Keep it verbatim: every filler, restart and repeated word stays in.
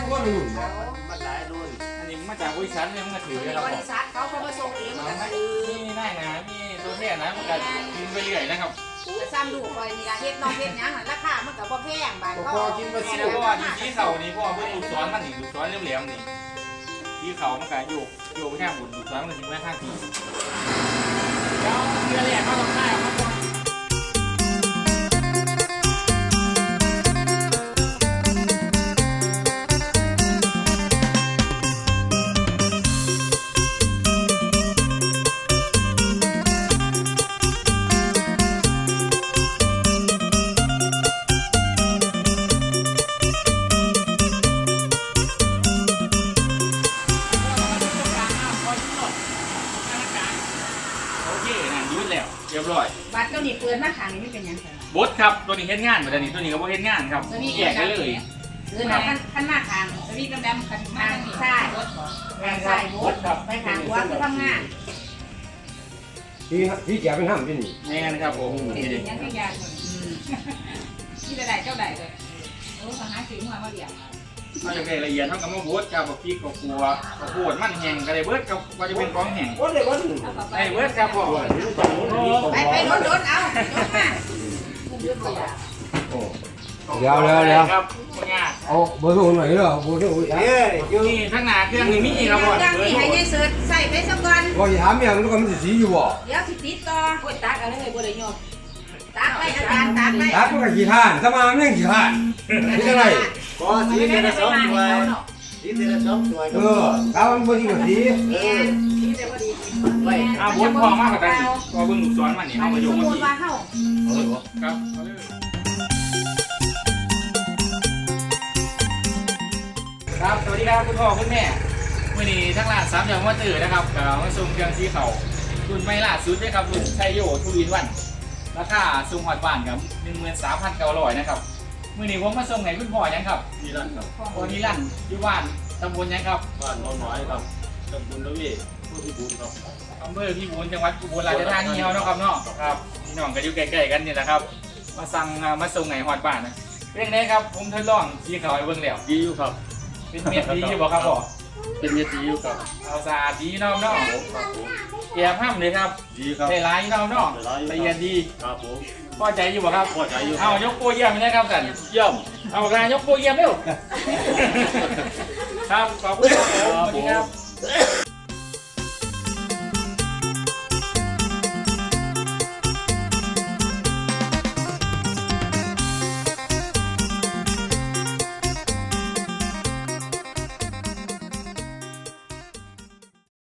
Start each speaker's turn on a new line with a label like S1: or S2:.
S1: ว่ารุ่น
S2: มันหลายรุ่น
S3: อันนี้มาจากบริษัทเนี่ยมันก็ถือแล้ว
S4: บริษัทเขาเขามาส่งเองมันก็คือ
S3: นี่ได้นะมีตัวเทียนะมันก็กินไปเรื่อยนะครับ
S4: ซ้ำดูคอยนี่ละเฮ็ดน้องเฮ็ดยังราคามันก็บ่แพงบาท
S1: พอกินมา
S3: นี่
S1: สิ
S3: แล้วก็อยู่ที่เขานี่เพราะว่าเพื่อนดูซ้อนมันนี่ดูซ้อนเหลี่ยมๆนี่ที่เขามันก็โยกโยกไปข้างบนดูซ้อนมันถึงแม่ข้างทีแล้วเรือแหลกเขาต้องได้ครับเรียบร้อย
S4: บัตรเจ้านี่เปิดมาขางนี่ไม่เป็นยังไง
S3: บดครับตัวนี้เฮ็ดงานเหมือนตัวนี้ตัวนี้ก็บ่เฮ็ดงานครับแยกกันเลย
S4: คือนะขั้นขั้นมาทางสวีดำๆขั้นทางซ้ายทางซ้ายบดไปทางขวาคือทำงาน
S1: ที่ที่แกเป็นห้ามที่นี่
S3: นี่นะครับผม
S4: นี่
S3: นี่
S4: ดิ
S3: ดิ
S4: ยังไม่ยากที่ใดเจ้าใดเลยโอ้ทหารสิงห์มามาเดียว
S3: เราจะได้ละเอียดเท่ากับมะบดกับบักพริกกับกัวกับปวดมันแห้งก็ได้เบิดกับว่าจะเป็นกองแห้ง
S1: วันเดียววัน
S3: ได้เบิดครับผม
S4: ไปไปโดนโดนเอาโดนมา
S1: เดี๋ยวเดี๋ยวเดี๋ยว
S3: ครับยาก
S1: เอาเบอร์โทรหน่อยเหรอเบอร์โทรเอ้ย
S3: นี่ทั้งหนาเครื่องนี่มีครับผม
S4: ดังนี่ให้ยายเสิร์ชใส่ไปสักวัน
S1: ว่าจะถามอย่างนี้ก็มันจะสีอยู่บ่
S4: เดี๋ยวสิติดต่อโคตรตักอะไรเลยบ่ได้ยอมตักไปอาจารย์ตักไป
S1: ตัดมันก็กี่ท่านสมามันยังกี่ท่านนี่อะไร
S2: ก็สีเทละสองถ้วยสีเทละสองถ้วย
S1: เออถ้ามันบ่ดีกว่าสี
S4: แม่ที่จะบ่ดี
S3: ไปเอาบดพอมากกว่ากันก็เบิ่งลูกศรมันนี่เอามาโย
S4: ส
S3: ง
S4: ม
S3: มา
S4: มุ
S3: ที
S4: ติว่าเฮา
S3: ครับครับสวัสดีครับคุณพ่อคุณแม่วันนี้ทั้งร้านสามอย่างว่าตื่นนะครับกับมาส่งเครื่องซีเขารุ่นไม่ล่าสุดนะครับรุ่นไชโยทูอินวันราคาส่งหอดบ้านครับหนึ่งหมื่นสามพันเก้าร้อยนะครับมื่อนี้ผมมาส่งไหนคุณพ่อยังครับ
S2: นี่นั่นครับ
S3: พ่อนิรันดร์อยู่บ้านตำบลยังครับ
S2: บ้านน้องน้อยครับตำบลละเวผู้ที่บุญครับ
S3: อำเภอพิบูลจังหวัดอุบลราชธานีเฮาเนาะครับเนาะครับพี่น้องก็อยู่ใกล้ๆกันนี่แหละครับมาสั่งมาส่งไหนหอดบ้านนะเป็นไงครับผมทดลองซีเขาไอ้เบิ่งแล้ว
S2: ดีอยู่ครับ
S3: เป็นเม็ดดีอยู่บ่ครับพ่อ
S2: เป็นเม็ดดีอยู่ครับ
S3: เอาสะอาดดีเนาะเนาะ
S2: ครับผม
S3: แอบห้ามเลยครับ
S2: ดีครับ
S3: ได้หลายเนาะเนาะละเอียดดี
S2: ครับผม
S3: พอใจอยู่บ่ครับ
S2: พอใจอยู่
S3: เอายกโปรเยี่ยมนะครับสัน
S2: เยี่ยม
S3: เอาการยกโปรเยี่ยมเร็วครับขอบคุณครับผมสวัสดีครับ